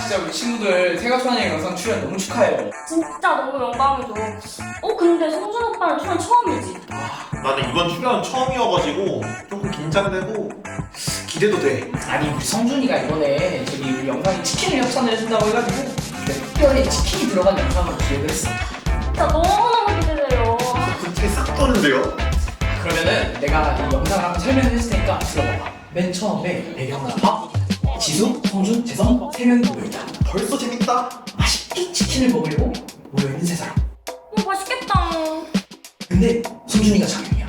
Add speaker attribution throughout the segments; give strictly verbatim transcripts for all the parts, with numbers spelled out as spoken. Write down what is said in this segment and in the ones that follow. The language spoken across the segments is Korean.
Speaker 1: 진짜 우리 친구들 세가촌의 영상 출연 너무 축하해요.
Speaker 2: 진짜 너무 영광이죠. 어 근데 성준 오빠는 출연 처음이지?
Speaker 3: 아, 나는 이번 출연 처음이어가지고 조금 긴장되고 기대도 돼.
Speaker 1: 아니 우리 성준이가 이번에 저기 우리 영상에 치킨을 협찬을 해준다고 해가지고 특별히 치킨이 들어간 영상을 기획을 했어.
Speaker 2: 진짜 너무너무 기대돼요.
Speaker 3: 갑자기 싹 떠는데요?
Speaker 1: 그러면은 내가 이 영상을 한번 설명을 했을 테니까 들어봐봐. 맨 처음에 배경은 밥, 지수, 성준, 재성 세 명이 모여있다.
Speaker 3: 벌써 재밌다.
Speaker 1: 맛있게 치킨을 먹으려고 모여있는 세 사람.
Speaker 2: 어 맛있겠다.
Speaker 1: 근데 성준이가 장염이야.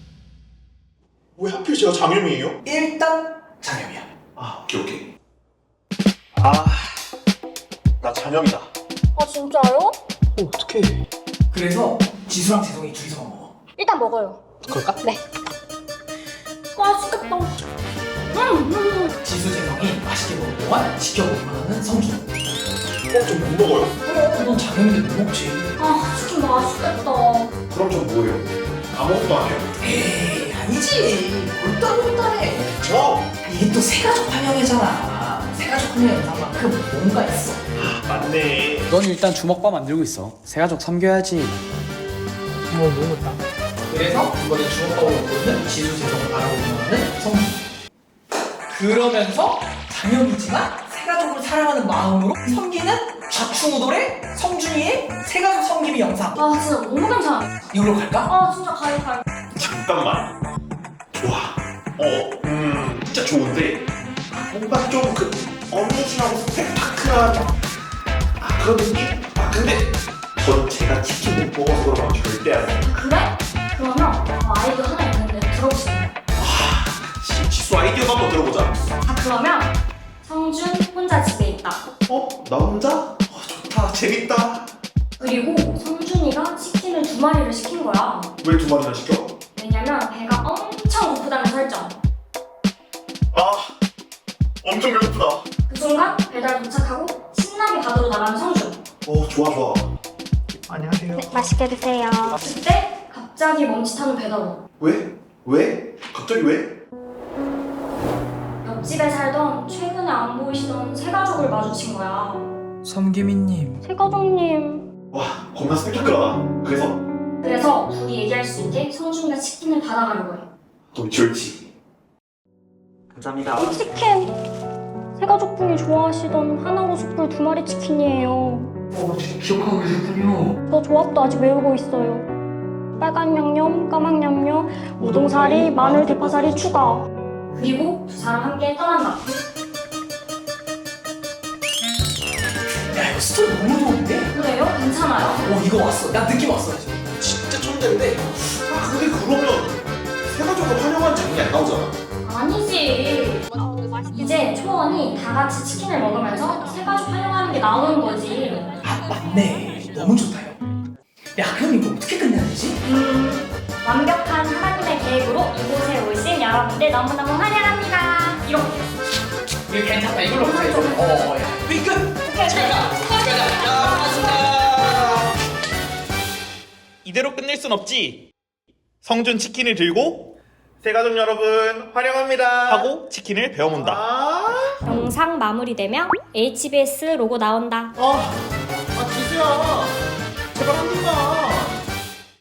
Speaker 3: 왜 하필 제가 장염이에요?
Speaker 1: 일단 장염이야.
Speaker 3: 아, 오케이 오케이. 아, 나 장염이다.
Speaker 2: 아 진짜요?
Speaker 3: 어, 어떡해.
Speaker 1: 그래서 지수랑 재성이 둘이서만 먹어.
Speaker 2: 일단 먹어요.
Speaker 1: 그럴까?
Speaker 2: 네. 맛있겠다. 음, 음.
Speaker 1: 지수, 재성이 맛있게 먹을 동안 지켜보기만 하는 성준.
Speaker 3: 어, 좀 못 먹어요.
Speaker 1: 그래, 넌 장염인데 못 먹지.
Speaker 2: 아 치킨 맛있겠다.
Speaker 3: 그럼 전 뭐예요? 아무것도 안 해요.
Speaker 1: 에이, 아니지. 몰따몰따해.
Speaker 3: 저!
Speaker 1: 이게 또 세가족 환영회잖아. 세가족 환영 영상만큼 뭔가 있어.
Speaker 3: 맞네.
Speaker 4: 넌 일단 주먹밥 만들고 있어. 새가족 삼겨야지.
Speaker 1: 그래서 이번에 주먹밥으로 부르는 지수, 재성을 바라보기만 하는 성준. 그러면서 장염이지만 세가족을 사랑하는 마음으로 섬기는 좌충우돌의 성준이의 세가족 섬김이 영상.
Speaker 2: 아 진짜 너무 괜찮아.
Speaker 1: 이걸로 갈까?
Speaker 2: 아 진짜 가요 가요.
Speaker 3: 잠깐만. 좋아. 어, 음, 진짜 좋은데 뭔가 좀 그 어메이징하고 스펙타클한 아, 그런 느낌? 아, 근데 저는 제가 치킨 못 먹어서 그런 건 절대 안 해요.
Speaker 2: 그래? 그러면 저 아이디어 하나 있는데 들어보실래요?
Speaker 3: 지- 지수 아이디어도 한번 들어보자.
Speaker 2: 아 그러면 성준 혼자 집에 있다.
Speaker 3: 어? 나 혼자? 어, 좋다. 재밌다.
Speaker 2: 그리고 성준이가 치킨을 두 마리를 시킨 거야.
Speaker 3: 왜 두 마리나 시켜?
Speaker 2: 왜냐면 배가 엄청 고프다는 설정.
Speaker 3: 아, 엄청 배고프다.
Speaker 2: 그 순간 배달 도착하고 신나게 바다로 나가는 성준.
Speaker 3: 어, 좋아 좋아.
Speaker 2: 네, 맛있게 드세요. 그때 갑자기 멈칫하는 배달원.
Speaker 3: 왜? 왜? 갑자기 왜?
Speaker 2: 옆집에 살던 최근에 안 보이시던 새 가족을 마주친 거야.
Speaker 4: 섬기미님.
Speaker 2: 새 가족님.
Speaker 3: 와, 겁나 스펙타클하다. 그래서
Speaker 2: 그래서 둘이 얘기할 수 있게 성준이가 치킨을 받아가려고 해.
Speaker 3: 돈 줄지.
Speaker 4: 감사합니다.
Speaker 2: 이 치킨 새 가족분이 좋아하시던 하나로 숯불 두 마리 치킨이에요.
Speaker 1: 어, 기억하고 계셨군요.
Speaker 2: 저 조합도 아직 외우고 있어요. 빨간 양념, 까만 양념, 우동사리, 마늘, 대파사리 추가. 그리고 두 사람 함께 떠난다.
Speaker 1: 야, 이거 스토리 너무 좋은데?
Speaker 2: 그래요? 괜찮아요?
Speaker 1: 어, 이거 왔어. 나 느낌 왔어. 지금.
Speaker 3: 진짜 촌대인데. 아, 근데 그러면 세가족을 활용한 장면이 안 나오잖아.
Speaker 2: 아니지. 이제 초원이 다 같이 치킨을 먹으면서 새 가족 활용하는 게 나오는 거지.
Speaker 1: 아, 맞네. 너무 좋다, 요. 야, 그럼 이거 어떻게 끝내야 되지?
Speaker 2: 음, 완벽한 하나님의 계획으로 이곳에 오신 여러분들 너무너무 환영합니다. 이렇게.
Speaker 1: 이거 괜찮다. 이걸로 가자, 이걸로. 어, 야. 우리 끝! 잘 가!
Speaker 3: 이대로 끝낼 순 없지. 성준 치킨을 들고 세가족 여러분 환영합니다 하고 치킨을 배워본다. 아,
Speaker 2: 영상 마무리되며 에이치비에스 로고 나온다.
Speaker 3: 아, 아 지수야, 제발 한 번만.